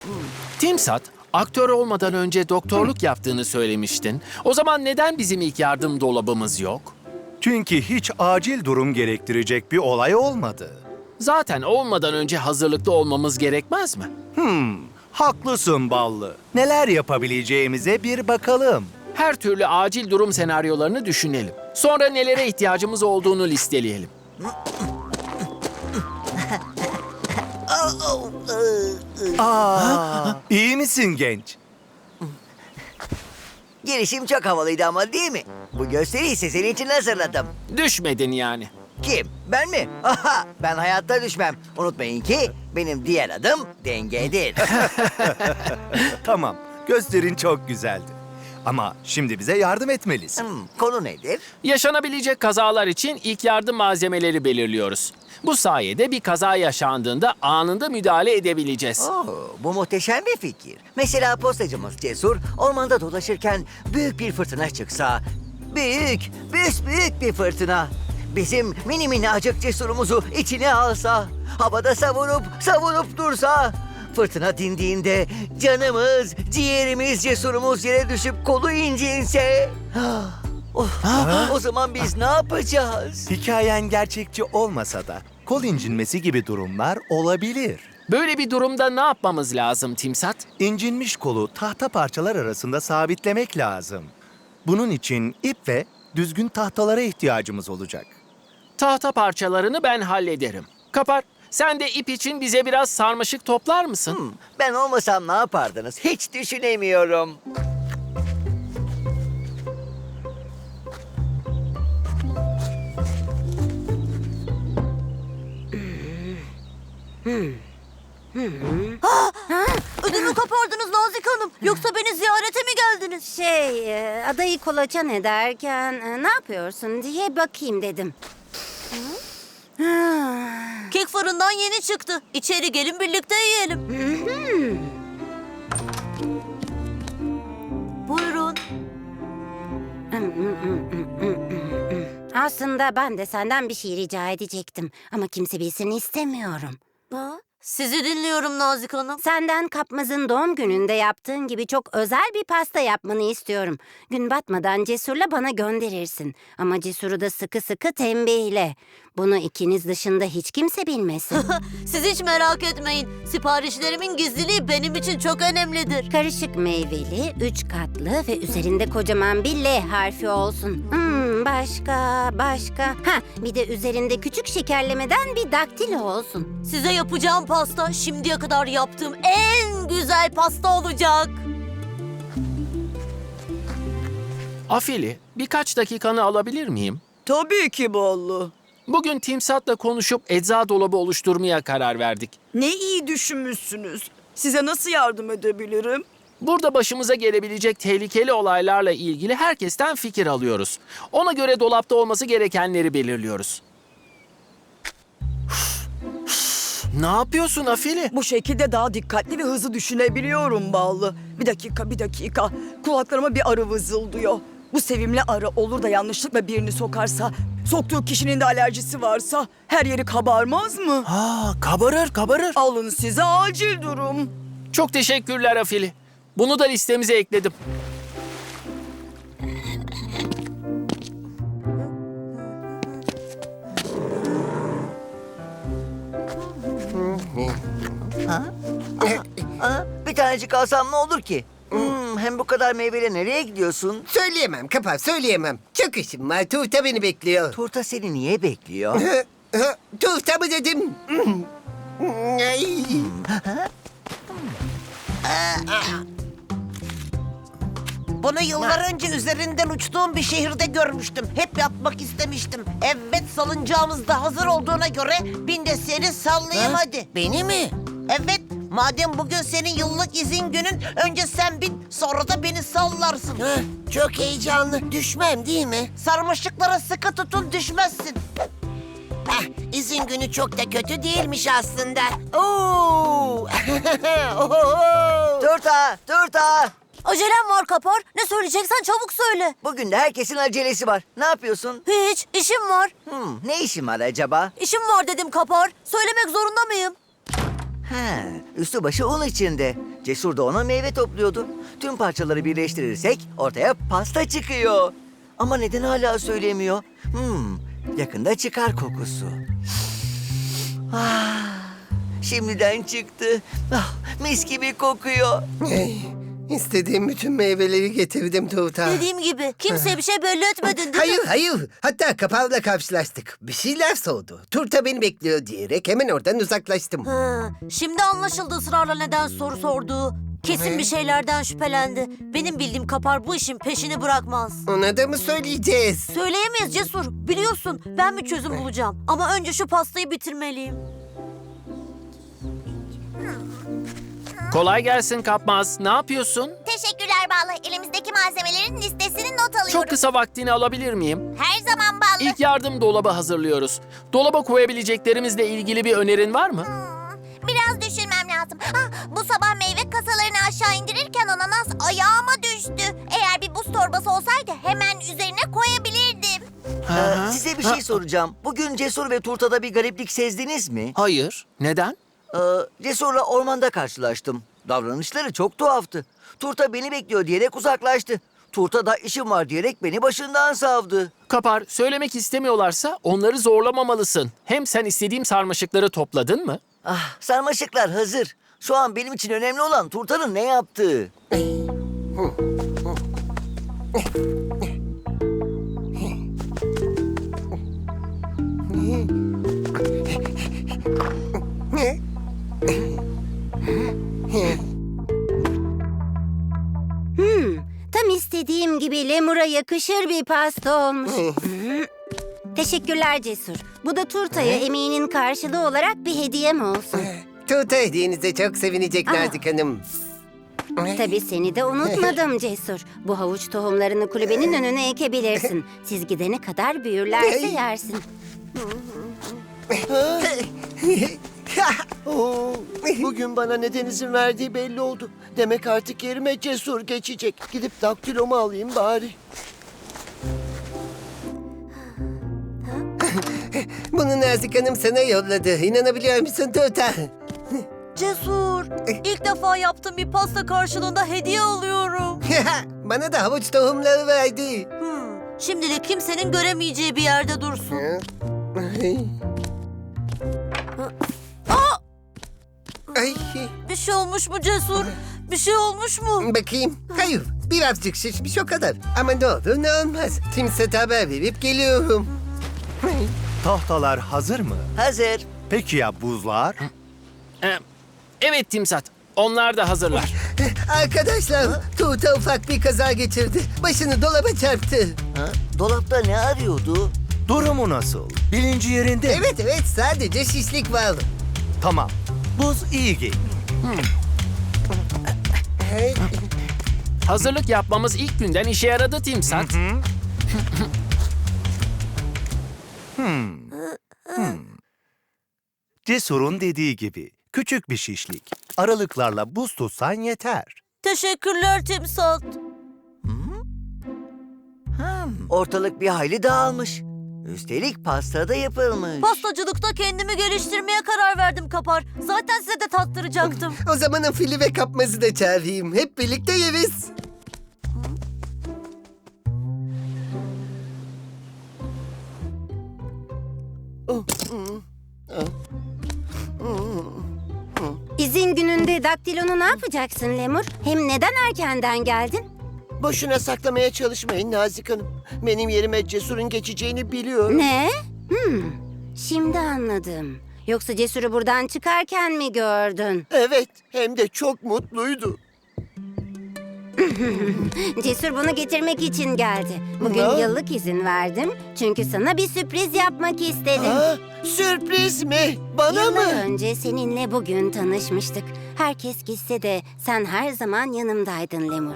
Timsat, aktör olmadan önce doktorluk yaptığını söylemiştin. O zaman neden bizim ilk yardım dolabımız yok? Çünkü hiç acil durum gerektirecek bir olay olmadı. Zaten olmadan önce hazırlıklı olmamız gerekmez mi? Haklısın Ballı. Neler yapabileceğimize bir bakalım. Her türlü acil durum senaryolarını düşünelim. Sonra nelere ihtiyacımız olduğunu listeleyelim. İyi misin genç? Girişim çok havalıydı ama değil mi? Bu gösteriyi ise senin için hazırladım. Düşmedin yani. Kim? Ben mi? Aha, ben hayatta düşmem. Unutmayın ki benim diğer adım dengedir. Tamam, gösterin çok güzeldi. Ama şimdi bize yardım etmelisin. Konu nedir? Yaşanabilecek kazalar için ilk yardım malzemeleri belirliyoruz. Bu sayede bir kaza yaşandığında anında müdahale edebileceğiz. Bu muhteşem bir fikir. Mesela postacımız Cesur ormanda dolaşırken büyük bir fırtına çıksa. Büyük bir bizim mini minnacık Cesur'umuzu içine alsa. Havada savurup dursa. Fırtına dindiğinde canımız, ciğerimiz, Cesur'umuz yere düşüp kolu incinse. O zaman biz ne yapacağız? Hikayen gerçekçi olmasa da kol incinmesi gibi durumlar olabilir. Böyle bir durumda ne yapmamız lazım Timsat? İncinmiş kolu tahta parçalar arasında sabitlemek lazım. Bunun için ip ve düzgün tahtalara ihtiyacımız olacak. Tahta parçalarını ben hallederim. Kapar, sen de ip için bize biraz sarmaşık toplar mısın? Ben olmasam ne yapardınız? Hiç düşünemiyorum. Ödümü kopardınız Nazik Hanım. Yoksa beni ziyarete mi geldiniz? Adayı kolaçan ederken ne yapıyorsun diye bakayım dedim. Kek fırından yeni çıktı. İçeri gelin birlikte yiyelim. Buyurun. Aslında ben de senden bir şey rica edecektim. Ama kimse bilsin istemiyorum. Sizi dinliyorum Nazik Hanım. Senden Kapmaz'ın doğum gününde yaptığın gibi çok özel bir pasta yapmanı istiyorum. Gün batmadan Cesur'la bana gönderirsin. Ama Cesur'u da sıkı sıkı tembihle. Bunu ikiniz dışında hiç kimse bilmesin. Siz hiç merak etmeyin. Siparişlerimin gizliliği benim için çok önemlidir. Karışık meyveli, 3 katlı ve üzerinde kocaman bir L harfi olsun. Başka. Bir de üzerinde küçük şekerlemeden bir daktilo olsun. Size yapacağım pasta şimdiye kadar yaptığım en güzel pasta olacak. Afili, birkaç dakikanı alabilir miyim? Tabii ki Ballı. Bugün Timsat'la konuşup ecza dolabı oluşturmaya karar verdik. Ne iyi düşünmüşsünüz. Size nasıl yardım edebilirim? Burada başımıza gelebilecek tehlikeli olaylarla ilgili herkesten fikir alıyoruz. Ona göre dolapta olması gerekenleri belirliyoruz. Ne yapıyorsun Afili? Bu şekilde daha dikkatli ve hızlı düşünebiliyorum Ballı. Bir dakika. Kulaklarıma bir arı vızıldıyor. Bu sevimli arı olur da yanlışlıkla birini sokarsa, soktuğu kişinin de alerjisi varsa her yeri kabarmaz mı? Kabarır. Alın size acil durum. Çok teşekkürler Afili. Bunu da listemize ekledim. Bir tanecik alsam ne olur ki? Hem bu kadar meyveyle nereye gidiyorsun? Söyleyemem Kapar, söyleyemem. Çok işim var. Tuğta beni bekliyor. Turta seni niye bekliyor? Tuğta mı dedim? Ay. Bunu yıllar önce üzerinden uçtuğum bir şehirde görmüştüm. Hep yapmak istemiştim. Evet, salıncağımız da hazır olduğuna göre bin de seni sallayayım hadi. Beni mi? Evet, madem bugün senin yıllık izin günün, önce sen bin, sonra da beni sallarsın. Çok heyecanlı. Düşmem değil mi? Sarmaşıklara sıkı tutun, düşmezsin. İzin günü çok da kötü değilmiş aslında. Oo! Turta! Acelem var Kapar. Ne söyleyeceksen çabuk söyle. Bugün de herkesin acelesi var. Ne yapıyorsun? Hiç, işim var. Ne işin var acaba? İşim var dedim Kapar. Söylemek zorunda mıyım? Üstü başı un içinde. Cesur da ona meyve topluyordu. Tüm parçaları birleştirirsek ortaya pasta çıkıyor. Ama neden hala söylemiyor? Yakında çıkar kokusu. Şimdiden çıktı. Mis gibi kokuyor. İstediğim bütün meyveleri getirdim Tuğta. Dediğim gibi kimseye bir şey belli etmedin değil mi? Hayır. Hatta kapağıyla karşılaştık. Bir şeyler soğudu. Turta beni bekliyor diyerek hemen oradan uzaklaştım. Şimdi anlaşıldı ısrarla neden soru sorduğu. Kesin bir şeylerden şüphelendi. Benim bildiğim Kapar bu işin peşini bırakmaz. Ona da mı söyleyeceğiz? Söyleyemeyiz Cesur. Biliyorsun ben bir çözüm bulacağım. Ama önce şu pastayı bitirmeliyim. Kolay gelsin Kapmaz. Ne yapıyorsun? Teşekkürler Ballı. Elimizdeki malzemelerin listesini not alıyorum. Çok kısa vaktini alabilir miyim? Her zaman Ballı. İlk yardım dolabı hazırlıyoruz. Dolaba koyabileceklerimizle ilgili bir önerin var mı? Biraz düşünmem lazım. Bu sabah meyve kasalarını aşağı indirirken ananas ayağıma düştü. Eğer bir buz torbası olsaydı hemen üzerine koyabilirdim. Size bir şey soracağım. Bugün Cesur ve Turta'da bir gariplik sezdiniz mi? Hayır. Neden? Cesur'la ormanda karşılaştım. Davranışları çok tuhaftı. Turta beni bekliyor diyerek uzaklaştı. Turta da işim var diyerek beni başından savdı. Kapar, söylemek istemiyorlarsa onları zorlamamalısın. Hem sen istediğim sarmaşıkları topladın mı? Sarmaşıklar hazır. Şu an benim için önemli olan Turta'nın ne yaptığı. Tam istediğim gibi lemura yakışır bir pasta olmuş. Teşekkürler Cesur. Bu da turtaya emeğinin karşılığı olarak bir hediyem olsun. Tuğta hediyenize çok sevinecek Nazik Hanım. Tabii seni de unutmadım Cesur. Bu havuç tohumlarını kulübenin önüne ekebilirsin. Siz gidene kadar büyürlerse yersin. Bugün bana neden izin verdiği belli oldu. Demek artık yerime Cesur geçecek. Gidip daktilomu alayım bari. Bunu Nazik Hanım sana yolladı. İnanabiliyor musun Tuğta? Cesur, ilk defa yaptığım bir pasta karşılığında hediye alıyorum. Bana da havuç tohumları verdi. Şimdilik kimsenin göremeyeceği bir yerde dursun. Ay, Bir şey olmuş mu Cesur? Bir şey olmuş mu? bakayım. Hayır, birazcık şişmiş o kadar. Ama ne olur ne olmaz. Timsat'a haber verip geliyorum. Tahtalar hazır mı? Hazır. Peki ya buzlar? Evet Timsat. Onlar da hazırlar. Arkadaşlar, Tuğta ufak bir kaza geçirdi. Başını dolaba çarptı. Dolapta ne arıyordu? Durumu nasıl? Bilinci yerinde mi? Evet, sadece şişlik var. Tamam. Buz iyi geliyor. Hazırlık yapmamız ilk günden işe yaradı Timsat. Cesur'un dediği gibi küçük bir şişlik. Aralıklarla buz tutsan yeter. Teşekkürler Timsat. Ortalık bir hayli dağılmış. Üstelik pasta da yapılmış. Pastacılıkta kendimi geliştirmeye karar verdim Kapar. Zaten size de tattıracaktım. O zaman fili ve kapmazı da çağırayım. Hep birlikte yeriz. İzin gününde daktilonu ne yapacaksın Lemur? Hem neden erkenden geldin? Boşuna saklamaya çalışmayın Nazik Hanım. Benim yerime Cesur'un geçeceğini biliyorum. Ne? Şimdi anladım. Yoksa Cesur'u buradan çıkarken mi gördün? Evet, hem de çok mutluydu. Cesur bunu getirmek için geldi. Bugün Ne? yıllık izin verdim. Çünkü sana bir sürpriz yapmak istedim. Sürpriz mi? Bana Yıllar mı? önce seninle bugün tanışmıştık. Herkes gitse de sen her zaman yanımdaydın Lemur.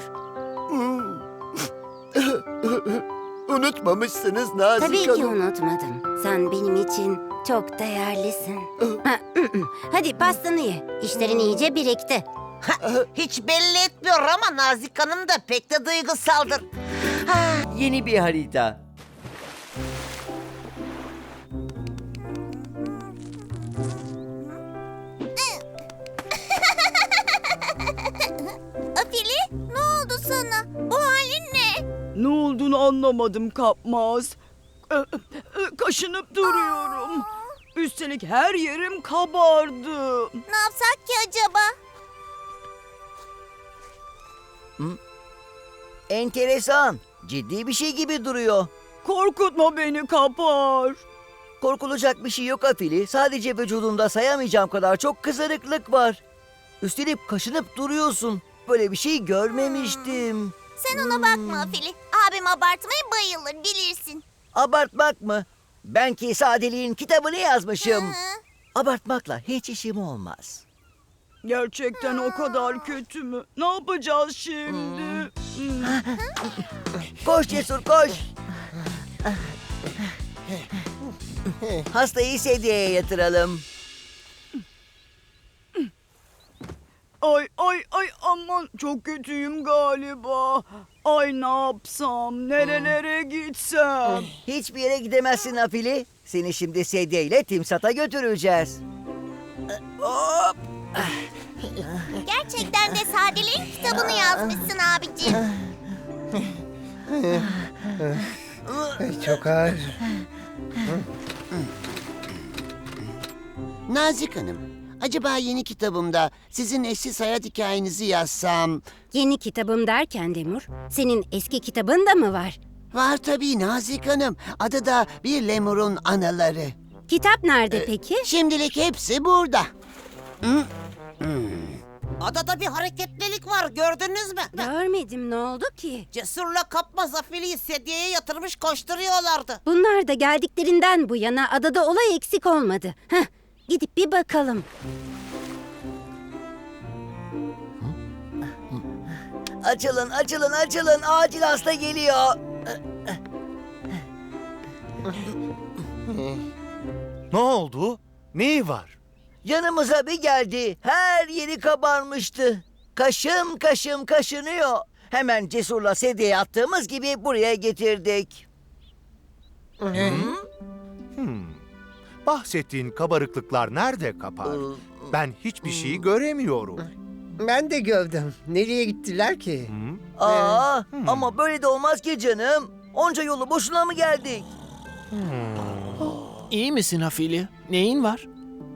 Unutmamışsınız Nazik Tabii ki Hanım. unutmadım. Sen benim için çok değerlisin. Hadi pastanı ye. İşlerin iyice birikti. Hiç belli etmiyor ama Nazik Hanım da pek de duygusaldır. Yeni bir harita. Ne olduğunu anlamadım Kapmaz. Kaşınıp duruyorum. Üstelik her yerim kabardı. Ne yapsak ki acaba? Enteresan. Ciddi bir şey gibi duruyor. Korkutma beni Kapar. Korkulacak bir şey yok Afili. Sadece vücudunda sayamayacağım kadar çok kızarıklık var. Üstelik kaşınıp duruyorsun. Böyle bir şey görmemiştim. Sen ona bakma Afili. Abim abartmaya bayılır bilirsin. Abartmak mı? Ben ki sadeliğin kitabını yazmışım. Hı. Abartmakla hiç işim olmaz. Gerçekten o kadar kötü mü? Ne yapacağız şimdi? Koş Cesur koş. Hastayı sedyeye yatıralım. Ay aman çok kötüyüm galiba. Ay ne yapsam, nerelere gitsem? Hiçbir yere gidemezsin Afili. Seni şimdi sedyeyle Timsat'a götüreceğiz. Hop. Gerçekten de sadeliğin kitabını yazmışsın abicim. Çok ağır. Nazik Hanım, acaba yeni kitabımda sizin eşsiz hayat hikayenizi yazsam... Yeni kitabım derken Demur, senin eski kitabın da mı var? Var tabii Nazik Hanım. Adı da Bir Lemur'un Anaları. Kitap nerede peki? Şimdilik hepsi burada. Adada bir hareketlilik var, gördünüz mü? Görmedim, ne oldu ki? Cesur'la Kapmaz Afili'yi sedyeye yatırmış koşturuyorlardı. Bunlar da geldiklerinden bu yana adada olay eksik olmadı. Heh, gidip bir bakalım. Açılın, açılın, açılın. Acil hasta geliyor. Ne oldu? Neyi var? Yanımıza bir geldi. Her yeri kabarmıştı. Kaşım kaşım kaşınıyor. Hemen Cesur'la sedyeye attığımız gibi buraya getirdik. Bahsettiğin kabarıklıklar nerede Kapar? Ben hiçbir şey göremiyorum. Ben de gördüm. Nereye gittiler ki? Ama böyle de olmaz ki canım. Onca yolu boşuna mı geldik? İyi misin Afili? Neyin var?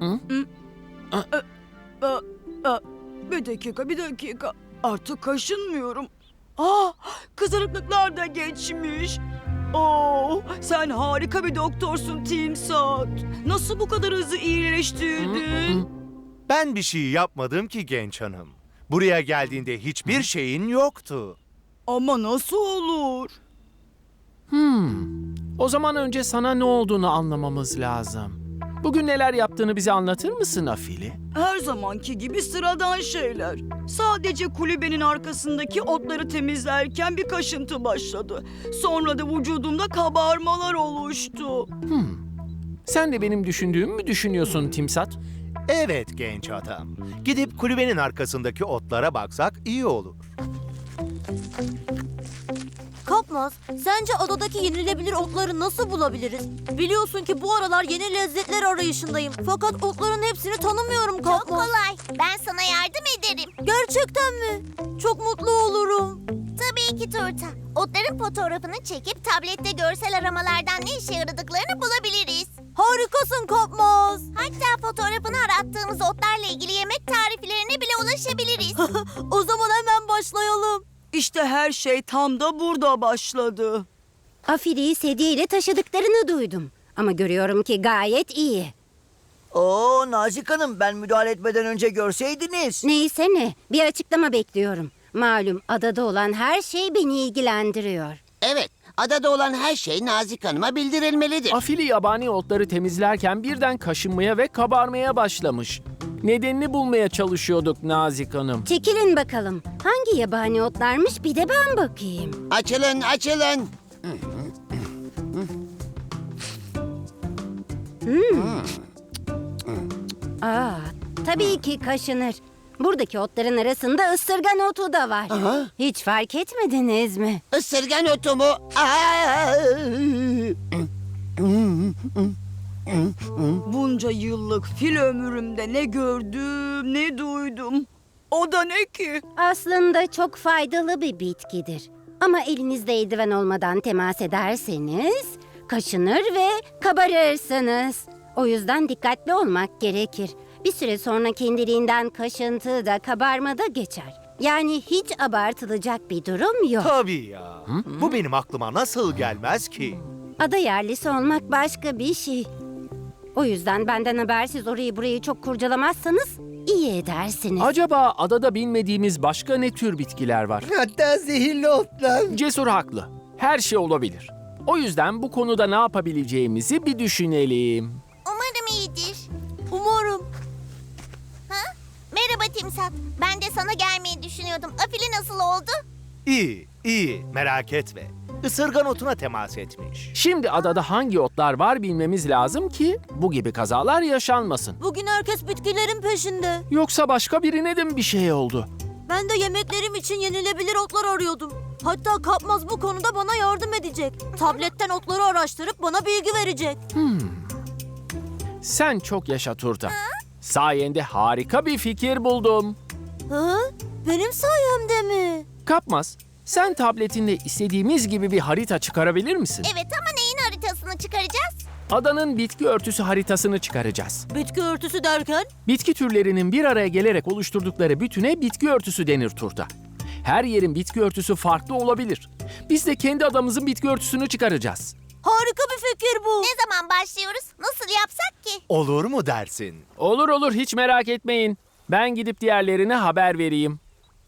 Bir dakika. Artık kaşınmıyorum. Kızarıklıklar da geçmiş. Sen harika bir doktorsun Timsat. Nasıl bu kadar hızlı iyileştirdin? Ben bir şey yapmadım ki genç hanım. Buraya geldiğinde hiçbir şeyin yoktu. Ama nasıl olur? O zaman önce sana ne olduğunu anlamamız lazım. Bugün neler yaptığını bize anlatır mısın Afili? Her zamanki gibi sıradan şeyler. Sadece kulübenin arkasındaki otları temizlerken bir kaşıntı başladı. Sonra da vücudumda kabarmalar oluştu. Sen de benim düşündüğümü mü düşünüyorsun Timsat? Evet genç adam. Gidip kulübenin arkasındaki otlara baksak iyi olur. Kapmaz, sence adadaki yenilebilir otları nasıl bulabiliriz? Biliyorsun ki bu aralar yeni lezzetler arayışındayım. Fakat otların hepsini tanımıyorum Kapmaz. Çok kolay. Ben sana yardım ederim. Gerçekten mi? Çok mutlu olurum. Tabii ki Turta. Otların fotoğrafını çekip tablette görsel aramalardan ne işe yaradıklarını bulabiliriz. Harikasın Kapmaz. Hatta fotoğrafını arattığımız otlarla ilgili yemek tariflerine bile ulaşabiliriz. O zaman hemen başlayalım. İşte her şey tam da burada başladı. Afili'yi sedyeyle taşıdıklarını duydum. Ama görüyorum ki gayet iyi. Nazik Hanım, ben müdahale etmeden önce görseydiniz. Neyse ne, bir açıklama bekliyorum. Malum adada olan her şey beni ilgilendiriyor. Evet, adada olan her şey Nazik Hanım'a bildirilmelidir. Afili yabani otları temizlerken birden kaşınmaya ve kabarmaya başlamış. Nedenini bulmaya çalışıyorduk Nazik Hanım. Çekilin bakalım. Hangi yabani otlarmış bir de ben bakayım. Açılın, açılın. Tabii ki kaşınır. Buradaki otların arasında ısırgan otu da var. Hiç fark etmediniz mi? Isırgan otu mu? Bunca yıllık fil ömrümde ne gördüm ne duydum. O da ne ki? Aslında çok faydalı bir bitkidir. Ama elinizde eldiven olmadan temas ederseniz kaşınır ve kabarırsınız. O yüzden dikkatli olmak gerekir. Bir süre sonra kendiliğinden kaşıntı da kabarma da geçer. Yani hiç abartılacak bir durum yok. Tabii ya. Bu benim aklıma nasıl gelmez ki? Ada yerlisi olmak başka bir şey. O yüzden benden habersiz orayı burayı çok kurcalamazsanız iyi edersiniz. Acaba adada bilmediğimiz başka ne tür bitkiler var? Hatta zehirli otlar. Cesur haklı. Her şey olabilir. O yüzden bu konuda ne yapabileceğimizi bir düşünelim. Umarım iyidir. Umarım. Ha? Merhaba Timsat. Ben de sana gelmeyi düşünüyordum. Afili nasıl oldu? İyi, merak etme. Isırgan otuna temas etmiş. Şimdi adada hangi otlar var bilmemiz lazım ki bu gibi kazalar yaşanmasın. Bugün herkes bitkilerin peşinde. Yoksa başka birine de mi bir şey oldu? Ben de yemeklerim için yenilebilir otlar arıyordum. Hatta Kapmaz bu konuda bana yardım edecek. Tabletten otları araştırıp bana bilgi verecek. Sen çok yaşa Turta. Sayende harika bir fikir buldum. Ha? Benim sayemde mi? Kapmaz, sen tabletinde istediğimiz gibi bir harita çıkarabilir misin? Evet ama neyin haritasını çıkaracağız? Adanın bitki örtüsü haritasını çıkaracağız. Bitki örtüsü derken? Bitki türlerinin bir araya gelerek oluşturdukları bütüne bitki örtüsü denir Turta. Her yerin bitki örtüsü farklı olabilir. Biz de kendi adamızın bitki örtüsünü çıkaracağız. Harika bir fikir bu. Ne zaman başlıyoruz? Nasıl yapsak ki? Olur mu dersin? Olur hiç merak etmeyin. Ben gidip diğerlerine haber vereyim.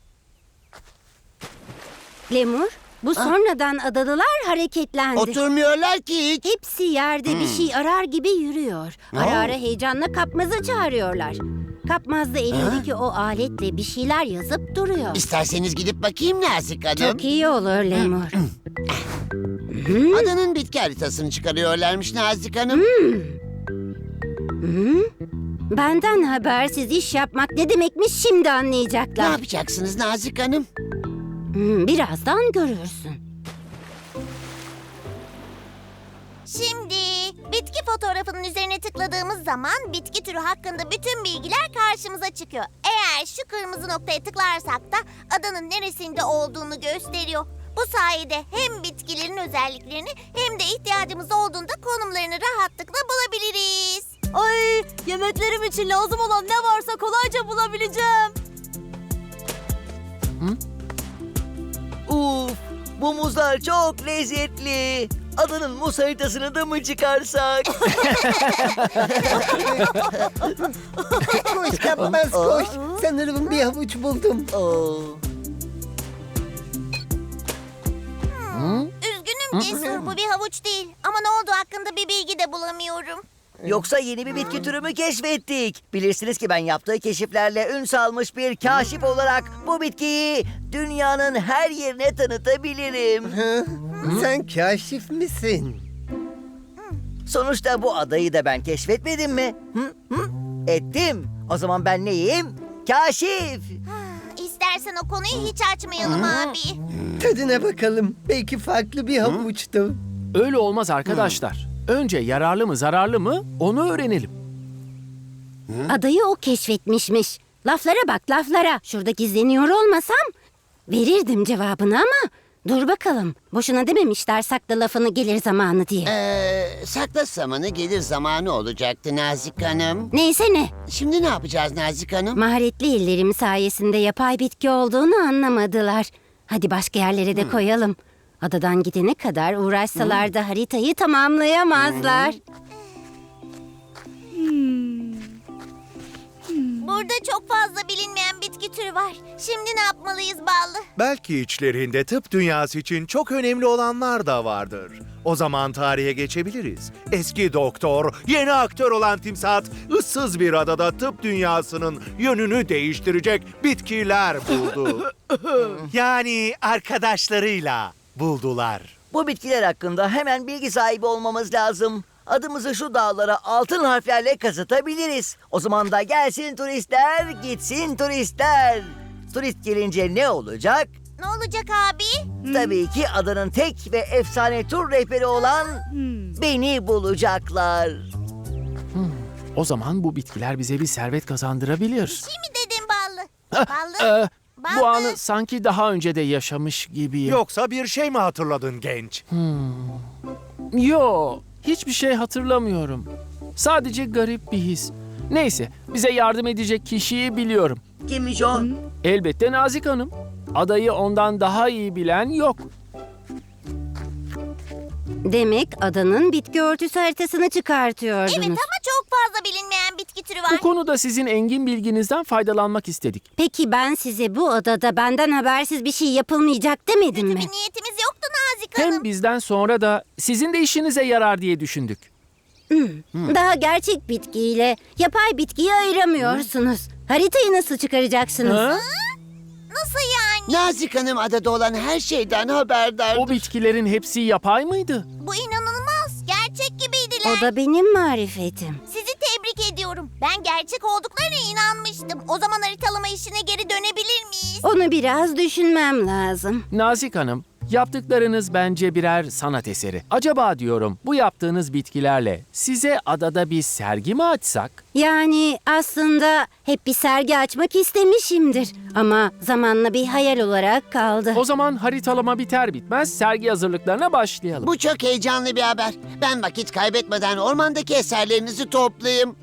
Lemur, bu sonradan adalılar hareketlendi. Oturmuyorlar ki hiç. Hepsi yerde bir şey arar gibi yürüyor. Ara ara heyecanla Kapmaz'ı çağırıyorlar. Kapmaz da elindeki o aletle bir şeyler yazıp duruyor. İsterseniz gidip bakayım Nazik Hanım. Çok iyi olur Lemur. Adanın bitki haritasını çıkarıyorlarmış Nazik Hanım. Benden habersiz iş yapmak ne demekmiş şimdi Ne anlayacaklar. yapacaksınız Nazik Hanım? Birazdan görürsün. Şimdi bitki fotoğrafının üzerine tıkladığımız zaman bitki türü hakkında bütün bilgiler karşımıza çıkıyor. Eğer şu kırmızı noktaya tıklarsak da adanın neresinde olduğunu gösteriyor. Bu sayede hem bitkilerin özelliklerini hem de ihtiyacımız olduğunda konumlarını rahatlıkla bulabiliriz. Ay, yemeklerim için lazım olan ne varsa kolayca bulabileceğim. Uf, bu muzlar çok lezzetli. Adanın muz haritasını da mı çıkarsak? Koş Kapmaz koş. Sanırım bir havuç buldum. Üzgünüm Cesur, bu bir havuç değil. Ama ne olduğu hakkında bir bilgi de bulamıyorum. Yoksa yeni bir bitki türü mü keşfettik? Bilirsiniz ki ben yaptığı keşiflerle ün salmış bir kaşif olarak bu bitkiyi dünyanın her yerine tanıtabilirim. Sen kaşif misin? Sonuçta bu adayı da ben keşfetmedim mi? Ettim. O zaman ben neyim? Kaşif. İstersen o konuyu hiç açmayalım abi. Tadına bakalım. Belki farklı bir havuçtu. Öyle olmaz arkadaşlar. Önce yararlı mı zararlı mı onu öğrenelim. Adayı o keşfetmişmiş. Laflara bak laflara. Şurada gizleniyor olmasam verirdim cevabını ama dur bakalım. Boşuna dememişler sakla lafını gelir zamanı diye. Sakla zamanı gelir zamanı olacaktı Nazik Hanım. Neyse ne. Şimdi ne yapacağız Nazik Hanım? Maharetli ellerim sayesinde yapay bitki olduğunu anlamadılar. Hadi başka yerlere de koyalım. Adadan gidene kadar uğraşsalar da haritayı tamamlayamazlar. Burada çok fazla bilinmeyen bitki türü var. Şimdi ne yapmalıyız Ballı? Belki içlerinde tıp dünyası için çok önemli olanlar da vardır. O zaman tarihe geçebiliriz. Eski doktor, yeni aktör olan Timsat, ıssız bir adada tıp dünyasının yönünü değiştirecek bitkiler buldu. Yani arkadaşlarıyla buldular. Bu bitkiler hakkında hemen bilgi sahibi olmamız lazım. Adımızı şu dağlara altın harflerle kazıtabiliriz. O zaman da gelsin turistler, gitsin turistler. Turist gelince ne olacak? Ne olacak abi? Tabii ki adanın tek ve efsane tur rehberi olan beni bulacaklar. O zaman bu bitkiler bize bir servet kazandırabilir. Şey mi dedin Ballı? Ballı? Bu anı sanki daha önce de yaşamış gibiyim. Yoksa bir şey mi hatırladın genç? Yo, hiçbir şey hatırlamıyorum. Sadece garip bir his. Neyse, bize yardım edecek kişiyi biliyorum. Kimmiş o? Elbette Nazik Hanım. Adayı ondan daha iyi bilen yok. Demek adanın bitki örtüsü haritasını çıkartıyordunuz. Evet ama çok fazla bilinmeyen bitki türü var. Bu konuda sizin engin bilginizden faydalanmak istedik. Peki ben size bu adada benden habersiz bir şey yapılmayacak demedim mi? Bir niyetimiz yoktu Nazik Hanım. Hem bizden sonra da sizin de işinize yarar diye düşündük. Daha gerçek bitkiyle yapay bitkiyi ayıramıyorsunuz. Haritayı nasıl çıkaracaksınız? Ha? Nasıl yani? Nazik Hanım adada olan her şeyden haberdar. O bitkilerin hepsi yapay mıydı? Bu inanılmaz. Gerçek gibiydiler. O da benim marifetim. Sizi tebrik ediyorum. Ben gerçek olduklarına inanmıştım. O zaman haritalama işine geri dönebilir miyiz? Onu biraz düşünmem lazım. Nazik Hanım, yaptıklarınız bence birer sanat eseri. Acaba diyorum bu yaptığınız bitkilerle size adada bir sergi mi açsak? Yani aslında hep bir sergi açmak istemişimdir. Ama zamanla bir hayal olarak kaldı. O zaman haritalama biter bitmez sergi hazırlıklarına başlayalım. Bu çok heyecanlı bir haber. Ben vakit kaybetmeden ormandaki eserlerinizi toplayayım.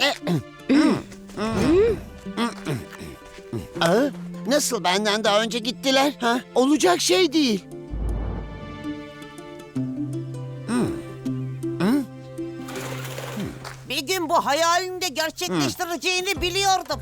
Nasıl benden daha önce gittiler? Ha? Olacak şey değil. Bir gün bu hayalini de gerçekleştireceğini biliyordum.